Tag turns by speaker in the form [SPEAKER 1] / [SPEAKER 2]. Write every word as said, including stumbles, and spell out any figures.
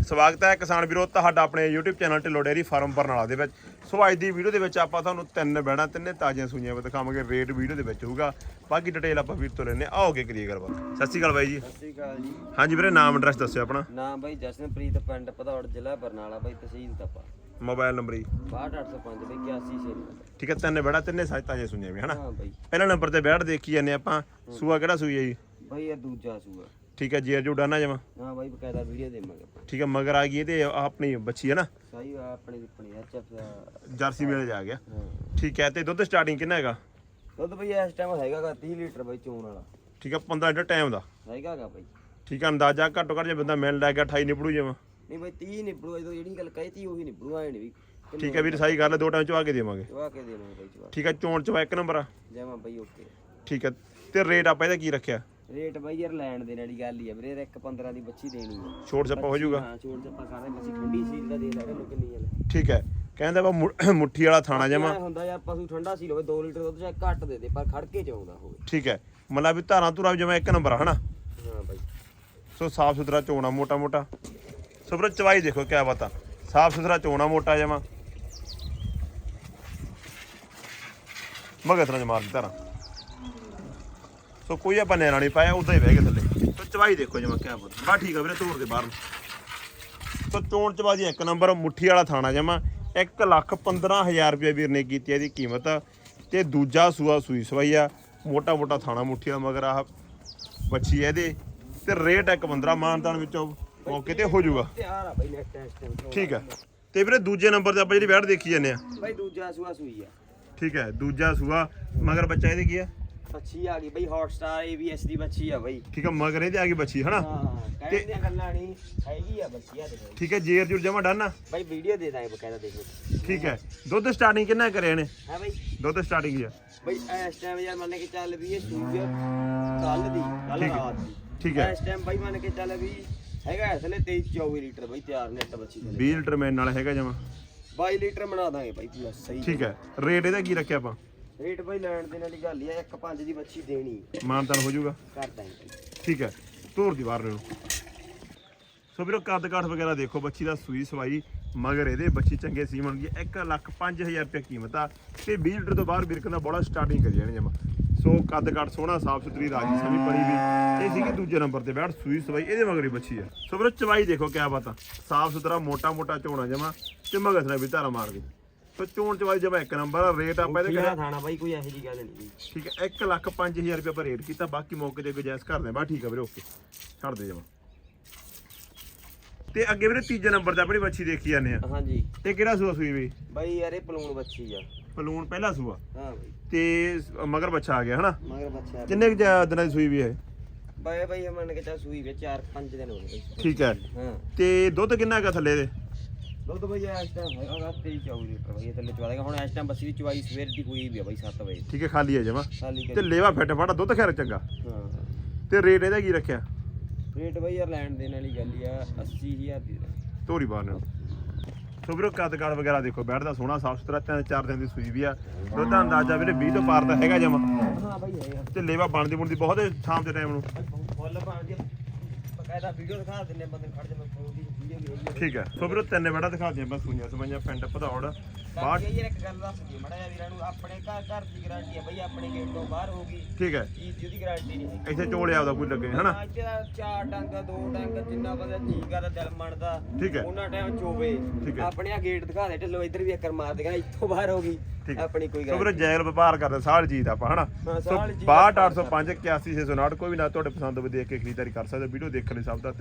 [SPEAKER 1] ਸਵਾਗਤ ਹੈ ਕਿਸਾਨ ਵੀਰੋ ਤੁਹਾਡਾ ਆਪਣੇ YouTube channel Dhillon dairy farm Barnala ਦੇ ਵਿੱਚ। ਸੋ ਅੱਜ ਦੀ ਵੀਡੀਓ ਦੇ ਵਿੱਚ ਆਪਾਂ ਤੁਹਾਨੂੰ ਤਿੰਨ ਬੈੜਾਂ ਤਿੰਨੇ ਤਾਜ਼ੀਆਂ ਸੂਈਆਂ ਦਿਖਾਵਾਂਗੇ। ਰੇਟ ਵੀਡੀਓ ਦੇ ਵਿੱਚ ਹੋਊਗਾ, ਬਾਕੀ ਡਿਟੇਲ ਆਪਾਂ ਵੀਰ ਤੋਂ ਲੈਣੇ ਆਓਗੇ ਕਰੀਏ ਗੱਲਬਾਤ। ਸਤਿ ਸ਼੍ਰੀ ਅਕਾਲ ਬਾਈ ਜੀ।
[SPEAKER 2] ਸਤਿ ਸ਼੍ਰੀ ਅਕਾਲ ਜੀ।
[SPEAKER 1] ਹਾਂਜੀ ਵੀਰੇ, ਨਾਮ ਐਡਰੈਸ ਦੱਸਿਓ ਆਪਣਾ।
[SPEAKER 2] ਨਾਮ ਬਾਈ ਜਸ਼ਨਪ੍ਰੀਤ, ਪਿੰਡ ਭਦੌੜ, ਜ਼ਿਲ੍ਹਾ ਬਰਨਾਲਾ ਬਾਈ, ਤਹਿਸੀਲ ਤਪਾ।
[SPEAKER 1] ਮੋਬਾਈਲ ਨੰਬਰ ਜੀ
[SPEAKER 2] ਬਾਹਠ ਅੱਠ ਸੌ ਪੰਜ ਬਾਈ ਇਕਿਆਸੀ ਛੇ ਨੰਬਰ।
[SPEAKER 1] ਠੀਕ ਹੈ, ਤਿੰਨ ਬੈੜਾਂ ਤਿੰਨੇ ਸਾਜ ਤਾਜ਼ੀਆਂ ਸੂਈਆਂ ਵੀ ਹਨਾ।
[SPEAKER 2] ਹਾਂ ਬਾਈ।
[SPEAKER 1] ਪਹਿਲਾ ਨੰਬਰ ਤੇ ਬੈੜ ਦੇਖੀ ਜਾਂਦੇ ਆਪਾਂ। ਸੂਆ ਕਿਹੜਾ ਸੂਈ ਹੈ ਜੀ?
[SPEAKER 2] ਬਾਈ ਇਹ ਦੂਜਾ ਸੂਆ।
[SPEAKER 1] ਠੀਕ ਹੈ, ਜੇਰ ਜੂਡਾ ਨਾ ਜਮਾ।
[SPEAKER 2] ਹਾਂ ਬਾਈ ਬਕਾਇਦਾ ਵੀਡੀਓ ਦੇਵਾਂਗੇ ਆਪਾਂ।
[SPEAKER 1] ਠੀਕ ਹੈ, ਮਗਰ ਆ ਗਈ ਇਹਦੇ ਆਪਣੀ ਬੱਚੀ ਹੈ ਨਾ,
[SPEAKER 2] ਸਹੀ ਆ ਆਪਣੀ ਆਪਣੀ ਐਚਐਫ
[SPEAKER 1] ਜਰਸੀ ਮੇਲੇ ਜਾ ਗਿਆ।
[SPEAKER 2] ਹਾਂ
[SPEAKER 1] ਠੀਕ ਹੈ, ਤੇ ਦੁੱਧ ਸਟਾਰਟਿੰਗ ਕਿੰਨਾ ਹੈਗਾ?
[SPEAKER 2] ਦੁੱਧ ਬਾਈ ਇਸ ਟਾਈਮ ਹੈਗਾਗਾ ਤੀਹ ਲੀਟਰ ਬਾਈ, ਚੋਣ ਵਾਲਾ।
[SPEAKER 1] ਠੀਕ ਹੈ, ਪੰਦਰਾਂ ਲੀਟਰ ਟਾਈਮ ਦਾ
[SPEAKER 2] ਹੈਗਾਗਾ ਬਾਈ।
[SPEAKER 1] ਠੀਕ ਹੈ, ਅੰਦਾਜ਼ਾ ਘੱਟੋ ਘੱਟ ਜੇ ਬੰਦਾ ਮਿਲ ਲੈ ਗਿਆ ਅਠਾਈ ਨਿਪੜੂ ਜਮਾ।
[SPEAKER 2] ਨਹੀਂ ਬਾਈ ਤੀਹ ਨਿਬੜੂ, ਜਦੋਂ ਜਿਹੜੀ ਗੱਲ ਕਹੀ ਤੀ ਉਹੀ ਨਿਬੜੂ, ਆਏ ਨਹੀਂ ਵੀ।
[SPEAKER 1] ਠੀਕ ਹੈ ਵੀਰ, ਸਹੀ ਗੱਲ ਹੈ, ਦੋ ਟਾਈਮ ਚਵਾ ਕੇ ਦੇਵਾਂਗੇ।
[SPEAKER 2] ਚਵਾ ਕੇ ਦੇਵਾਂਗੇ ਬਾਈ ਚਵਾ।
[SPEAKER 1] ਠੀਕ ਹੈ, ਚੋਣ ਚਵਾ ਇੱਕ ਨੰਬਰ ਆ।
[SPEAKER 2] ਜਮਾ ਬਾਈ ਓਕੇ।
[SPEAKER 1] ਠੀਕ ਹੈ, ਤੇ ਰੇਟ ਆਪਾਂ ਇਹਦਾ ਕੀ ਰੱਖਿਆ?
[SPEAKER 2] ਰੇਟ ਬਾਈ ਯਾਰ ਲੈਣ ਦੇਣ ਵਾਲੀ ਗੱਲ ਹੀ ਆ ਵੀਰੇ, ਇੱਕ ਪੰਦਰਾਂ ਦੀ ਬੱਚੀ ਦੇਣੀ ਆ।
[SPEAKER 1] ਛੋਟ ਛੱਪਾ ਹੋ ਜਾਊਗਾ।
[SPEAKER 2] ਹਾਂ ਛੋਟ ਛੱਪਾ ਸਾਰਾ ਬੱਚੀ ਠੰਡੀ ਸੀਲ ਦਾ ਦੇ ਲੈ ਇਹਨੂੰ ਕਿੰਨੀ ਆ।
[SPEAKER 1] ਠੀਕ ਹੈ, ਕਹਿੰਦਾ ਵਾ ਮੁੱਠੀ ਵਾਲਾ ਥਾਣਾ ਜਮਾ
[SPEAKER 2] ਹੁੰਦਾ ਯਾਰ ਪਸ਼ੂ ਠੰਡਾ ਸੀ ਹੋਵੇ, ਦੋ ਲੀਟਰ ਦੁੱਧ ਚਾਹੇ ਘੱਟ ਦੇ ਦੇ ਪਰ ਖੜ ਕੇ ਚਾਉਂਦਾ ਹੋਵੇ।
[SPEAKER 1] ਠੀਕ ਹੈ, ਮਤਲਬ ਵੀ ਧਾਰਾਂ ਧੁਰਾ ਜਮਾ ਇੱਕ ਨੰਬਰ ਆ ਹਨਾ।
[SPEAKER 2] ਹਾਂ ਬਾਈ।
[SPEAKER 1] ਸੋ ਸਾਫ ਸੁਥਰਾ ਚੋਣਾ ਮੋਟਾ ਮੋਟਾ। ਸੋ ਵੀਰ ਚਵਾਈ ਦੇਖੋ ਕਿਆ ਬਾਤ, ਸਾਫ ਸੁਥਰਾ ਚੋਣਾ ਮੋਟਾ ਜਮਾ। ਮਗਰ ਤਰ੍ਹਾਂ ਮਾਰ ਦੀ ਧਾਰਾਂ। ਸੋ ਕੋਈ ਆਪਾਂ ਨੈਣਾ ਨਹੀਂ ਪਾਇਆ, ਉਦਾਂ ਹੀ ਬਹਿ ਗਏ ਥੱਲੇ। ਸੋ ਚਵਾਈ ਦੇਖੋ ਜਮਾ ਕਿਆ ਬਾਤ। ਬਾ ਠੀਕ ਆ ਵੀਰੇ, ਤੋੜ ਦੇ ਬਾਹਰ ਨੂੰ। ਸੋ ਚੋਣ ਚਵਾਜੀ ਇੱਕ ਨੰਬਰ, ਮੁੱਠੀ ਵਾਲਾ ਥਾਣਾ ਜਮਾ। ਇੱਕ ਲੱਖ ਪੰਦਰਾਂ ਹਜ਼ਾਰ ਰੁਪਏ ਵੀਰ ਨੇ ਕੀਤੀ ਇਹਦੀ ਕੀਮਤ। ਤੇ ਦੂਜਾ ਸੂਆ ਸੂਈ ਸਵਾਈ ਆ, ਮੋਟਾ ਮੋਟਾ ਥਾਣਾ ਮੁੱਠੀ ਦਾ ਮਗਰ ਆਹ ਬੱਚੀ ਹੈ ਇਹਦੇ। ਤੇ ਰੇਟ ਇੱਕ ਪੰਦਰਾਂ ਮਾਨਤਾਨ ਵਿੱਚੋਂ ਮੌਕੇ ਤੇ ਹੋ ਜਾਊਗਾ।
[SPEAKER 2] ਤਿਆਰ ਆ ਬਾਈ ਨੈਕਸਟ ਟਾਈਮ।
[SPEAKER 1] ਠੀਕ ਹੈ, ਤੇ ਵੀਰੇ ਦੂਜੇ ਨੰਬਰ ਤੇ ਆਪਾਂ ਜਿਹੜੀ ਬੈਠ ਦੇਖੀ ਜਾਂਦੇ ਆ।
[SPEAKER 2] ਬਾਈ ਦੂਜਾ ਸੂਆ ਸੂਈ ਆ।
[SPEAKER 1] ਠੀਕ ਹੈ, ਦੂਜਾ ਸੂਆ ਮਗਰ ਬੱਚਾ ਇਹਦੇ ਕੀ ਆ?
[SPEAKER 2] ਬੱਚੀ ਆ ਗਈ ਬਾਈ, ਹੌਟ ਸਟਾਰ ਏਬੀਐਸ ਦੀ ਬੱਚੀ ਆ ਬਾਈ।
[SPEAKER 1] ਠੀਕ ਹੈ, ਮਗਰ ਇਹਦੇ ਆ ਗਈ ਬੱਚੀ ਹਨਾ।
[SPEAKER 2] ਹਾਂ ਕਹਿੰਦੇ ਦੀਆਂ ਗੱਲਾਂ ਨਹੀਂ ਹੈਗੀ ਆ ਬੱਚੀ ਆ ਦੇਖੋ।
[SPEAKER 1] ਠੀਕ ਹੈ, ਜੇਰ ਜੁਰ ਜਮਾ ਡਨ ਆ
[SPEAKER 2] ਬਾਈ, ਵੀਡੀਓ ਦੇ ਦਾਂਗੇ ਬਕਾਇਦਾ ਦੇਖੋ।
[SPEAKER 1] ਠੀਕ ਹੈ, ਦੁੱਧ ਸਟਾਰਟਿੰਗ ਕਿੰਨਾ ਕਰਿਆ ਇਹਨੇ?
[SPEAKER 2] ਹਾਂ ਬਾਈ।
[SPEAKER 1] ਦੁੱਧ ਸਟਾਰਟਿੰਗ ਹੀ ਆ
[SPEAKER 2] ਬਾਈ ਇਸ ਟਾਈਮ ਯਾਰ ਮੰਨ ਕੇ ਚੱਲ ਵੀ ਇਹ ਸੂਜ ਕੱਲ ਦੀ ਕੱਲ
[SPEAKER 1] ਠੀਕ ਹੈ।
[SPEAKER 2] ਰਾਤ ਦੀ।
[SPEAKER 1] ਠੀਕ ਹੈ,
[SPEAKER 2] ਇਸ ਟਾਈਮ ਬਾਈ ਮੰਨ ਕੇ ਚੱਲ ਵੀ ਹੈਗਾ ਇਸਲੇ ਤੇਈ ਚੌਵੀ ਲੀਟਰ ਬਾਈ ਤਿਆਰ ਨੈਟ ਬੱਚੀ ਦੇ।
[SPEAKER 1] ਵੀਹ ਲੀਟਰ ਮੈਨ ਨਾਲ ਹੈਗਾ ਜਮਾ।
[SPEAKER 2] ਬਾਈ ਲੀਟਰ ਬਣਾ ਦਾਂਗੇ ਬਾਈ ਪੂਰਾ ਸਹੀ।
[SPEAKER 1] ਠੀਕ ਹੈ, ਰੇਟ ਇਹਦਾ ਕੀ ਰੱਖਿਆ ਆਪਾਂ?
[SPEAKER 2] ਰੇਟ ਬਾਈ ਲੈਣ ਦੇ ਨਾਲ ਹੀ ਗੱਲ ਹੀ ਆ, ਇੱਕ ਪੰਜ ਦੀ ਬੱਚੀ ਦੇਣੀ
[SPEAKER 1] ਮਾਨਤਾਨ ਹੋ ਜਾਊਗਾ।
[SPEAKER 2] ਕਰ ਦਾਂਗੇ ਬਾਈ।
[SPEAKER 1] ਠੀਕ ਹੈ, ਧੂਰ ਦੀ ਬਾਹਰ ਨੂੰ। ਸੋ ਵੀਰੋ ਕੱਦ ਕਾਠ ਵਗੈਰਾ ਦੇਖੋ ਬੱਚੀ ਦਾ, ਸੂਈ ਸਵਾਈ ਮਗਰ ਇਹਦੇ ਬੱਚੀ ਚੰਗੇ ਸੀਮਨ ਦੀ। ਇੱਕ ਲੱਖ ਪੰਜ ਹਜ਼ਾਰ ਰੁਪਏ ਕੀਮਤ ਆ। ਤੇ ਵੀਹ ਲੀਟਰ ਤੋਂ ਬਾਹਰ ਵੀਰ ਕਹਿੰਦਾ ਬੜਾ ਸਟਾਰਟਿੰਗ ਕਰੀ ਜਾਣੀ ਜਮਾ। ਸੋ ਕੱਦ ਕਾਠ ਸੋਹਣਾ, ਸਾਫ ਸੁਥਰੀ, ਰਾਜੀ ਸਮੀ ਬਣੀ ਵੀ। ਇਹ ਸੀਗੀ ਦੂਜੇ ਨੰਬਰ ਤੇ ਬੈਠ ਸੂਈ ਸਵਾਈ, ਇਹਦੇ ਮਗਰ ਹੀ ਬੱਚੀ ਆ। ਸੋ ਵੀਰੋ ਚਵਾਈ ਦੇਖੋ ਕਿਆ ਬਾਤ ਆ, ਸਾਫ ਸੁਥਰਾ ਮੋਟਾ ਮੋਟਾ ਝੋਣਾ ਜਮਾ। ਤੇ ਮਗਰ ਸਣਾ ਵੀ ਧਾਰਾ ਮਾਰਦੀ। ਸੋ ਚੋਣ ਚਵਾਈ ਜਮਾ ਇੱਕ ਨੰਬਰ। ਰੇਟ ਆਪਾਂ ਇਹਦੇ
[SPEAKER 2] ਕਿਹੜਾ ਥਾਣਾ ਬਾਈ, ਕੋਈ ਇਹੋ ਜੀ ਗੱਲ ਨਹੀਂ।
[SPEAKER 1] ਠੀਕ ਹੈ, ਇੱਕ ਲੱਖ ਪੰਜ ਹਜ਼ਾਰ ਰੁਪਏ ਆਪਾਂ ਰੇਟ ਕੀਤਾ, ਬਾਕੀ ਮੌਕੇ ਤੇ ਗੁਜਾਇਸ਼ ਕਰਦੇ। ਬਾ ਠੀਕ ਆ ਵੀਰੇ, ਓਕੇ ਛੱਡ ਦੇ ਜਮਾ। ਤੇ ਅੱਗੇ ਵੀਰੇ ਤੀਜੇ ਨੰਬਰ ਤੇ ਆਪਣੀ ਬੱਚੀ ਦੇਖੀ ਜਾਂਦੇ ਆ।
[SPEAKER 2] ਹਾਂਜੀ।
[SPEAKER 1] ਤੇ ਕਿਹੜਾ ਸੂਆ ਸੂਈ ਬਈ?
[SPEAKER 2] ਬਾਈ ਯਾਰ ਇਹ ਪਲੂਣ ਬੱਚੀ ਆ।
[SPEAKER 1] ਪਲੂਣ ਪਹਿਲਾ ਸੂਆ।
[SPEAKER 2] ਹਾਂ ਬਾਈ।
[SPEAKER 1] ਤੇ ਮਗਰ ਬੱਚਾ ਆ ਗਿਆ ਹਨਾ।
[SPEAKER 2] ਮਗਰ ਬੱਚਾ
[SPEAKER 1] ਕਿੰਨੇ ਕੁ ਜ- ਦਿਨਾਂ ਦੀ ਸੂਈ ਵੀ ਹੈ?
[SPEAKER 2] ਬਾਈ ਬਾਈ ਮੰਨ ਕੇ ਚੱਲ ਸੂਈ ਵਿੱਚ ਚਾਰ ਪੰਜ ਦਿਨ ਹੋ ਗਏ।
[SPEAKER 1] ਠੀਕ ਹੈ,
[SPEAKER 2] ਹਾਂ।
[SPEAKER 1] ਤੇ ਦੁੱਧ ਕਿੰਨਾ ਹੈਗਾ ਥੱਲੇ ਦੇ?
[SPEAKER 2] ਦੁੱਧ ਬਾਈ ਇਸ ਟਾਈਮ ਹੈਗਾ ਤੇਈ ਚੌਵੀ ਲੀਟਰ ਬਾਈ, ਥੱਲੇ ਚਵਾ ਦੇਗਾ। ਹੁਣ ਇਸ ਟਾਈਮ ਬੱਸੀ ਦੀ ਚਵਾਈ ਸਵੇਰ ਦੀ ਹੋਈ ਵੀ ਆ ਬਾਈ ਸੱਤ ਵਜੇ।
[SPEAKER 1] ਠੀਕ ਹੈ, ਖਾਲੀ ਹੈ ਜਮਾ।
[SPEAKER 2] ਖਾਲੀ
[SPEAKER 1] ਤੇ ਲੇਵਾ ਫਿੱਟ ਫਾੜਾ, ਦੁੱਧ ਖੈਰ ਚੰਗਾ।
[SPEAKER 2] ਹਾਂ।
[SPEAKER 1] ਤੇ ਰੇਟ ਇਹਦਾ ਕੀ ਰੱਖਿਆ?
[SPEAKER 2] ਰੇਟ ਬਾਈ ਯਾਰ ਲੈਣ ਦੇਣ ਵਾਲੀ ਗੱਲ ਹੀ ਆ, ਅੱਸੀ ਹਜ਼ਾਰ ਦੀ।
[SPEAKER 1] ਧੋਰੀ ਬਾਹਰ ਨਾਲ। ਸੋ ਵੀਰੋ ਕੱਦ ਕਾਠ ਵਗੈਰਾ ਦੇਖੋ, ਬੈਠਦਾ ਸੋਹਣਾ ਸਾਫ ਸੁਥਰਾ, ਤਿੰਨ ਚਾਰ ਦਿਨ ਦੀ ਸੂਈ ਵੀ ਆ। ਦੁੱਧ ਦਾ ਅੰਦਾਜ਼ਾ ਵੀਰੇ ਵੀਹ ਤੋਂ ਪਾਰ ਦਾ ਹੈਗਾ ਜਮਾ।
[SPEAKER 2] ਹਾਂ ਬਾਈ ਹੈਗਾ।
[SPEAKER 1] ਤੇ ਲੇਵਾ ਬਣਦੀ ਬਣਦੀ ਬਹੁਤ ਹੈ ਸ਼ਾਮ ਦੇ ਟਾਈਮ ਨੂੰ।
[SPEAKER 2] ਫੁੱਲ ਪਾਣ ਦੀ ਬਕਾਇਦਾ ਵੀਡੀਓ ਦਿਖਾ ਦਿੰਨੇ ਬੰਦੇ ਖੜ ਜਾਵੇ ਉਹਦੀ ਵੀਡੀਓ ਵੀ ਹੈਗੀ।
[SPEAKER 1] ਠੀਕ ਹੈ, ਸੋ ਵੀਰੋ ਤਿੰਨ ਬੈੜਾ ਦਿਖਾ ਦਿਆਂ ਬਸ ਸੂਈਆਂ ਸਮਾਈਆਂ, ਪਿੰਡ ਭਦੌੜ। ਬਾਹਰ
[SPEAKER 2] ਬਾਕੀ ਯਾਰ ਇੱਕ ਗੱਲ ਦੱਸ ਦਿਓ ਮੜਾ ਜਿਹਾ ਵੀਰਾਂ ਨੂੰ, ਆਪਣੇ ਘਰ ਘਰ ਦੀ ਗਾਰੰਟੀ ਆ ਬਾਈ, ਆਪਣੇ ਗੇਟ ਤੋਂ ਬਾਹਰ ਹੋਊਗੀ
[SPEAKER 1] ਠੀਕ ਹੈ,
[SPEAKER 2] ਚੀਜ਼ ਦੀ ਗਾਰੰਟੀ ਨਹੀਂ ਹੈਗੀ।
[SPEAKER 1] ਇੱਥੇ ਝੋਲਿਆ ਉਹਦਾ ਕੋਈ ਲੱਗੇ ਹਨਾ।
[SPEAKER 2] ਇੱਥੇ ਤਾਂ ਚਾਰ ਡੰਗ ਦੋ ਡੰਗ ਜਿੰਨਾ ਬੰਦਾ ਜੀ ਕਰਦਾ ਦਿਲ ਮੰਨਦਾ
[SPEAKER 1] ਠੀਕ ਹੈ,
[SPEAKER 2] ਉਹਨਾਂ ਟਾਈਮ ਚੋਵੇ।
[SPEAKER 1] ਠੀਕ ਹੈ।
[SPEAKER 2] ਆਪਣੇ ਆ ਗੇਟ ਦਿਖਾ ਦੇ ਢਿੱਲੋ, ਇੱਧਰ ਵੀ ਇੱਕ ਮਾਰ ਦੇਗਾ, ਇੱਥੋਂ ਬਾਹਰ ਹੋ ਗਈ
[SPEAKER 1] ਠੀਕ
[SPEAKER 2] ਆਪਣੀ ਕੋਈ
[SPEAKER 1] ਸੋ
[SPEAKER 2] ਗੱਲ
[SPEAKER 1] ਵੀਰੋ ਜੈਲ ਵਪਾਰ ਕਰਦੇ ਸਾਲ ਜੀਤ ਆਪਾਂ ਹਨਾ।
[SPEAKER 2] ਹਾਂ,
[SPEAKER 1] ਸੋ
[SPEAKER 2] ਸਾਲ ਜੀਤ
[SPEAKER 1] ਬਾਹਠ ਅੱਠ ਸੌ ਪੰਜ ਇਕਿਆਸੀ ਛੇ ਸੌ ਉਨਾਹਠ ਕੋਈ ਵੀ ਨਾ ਤੁਹਾਡੇ ਪਸੰਦ ਹੋਵੇ ਦੇਖ ਕੇ ਖਰੀਦਦਾਰੀ ਕਰ ਸਕਦੇ। ਵੀਡੀਓ ਦੇਖਣ ਲਈ ਸਭ ਦਾ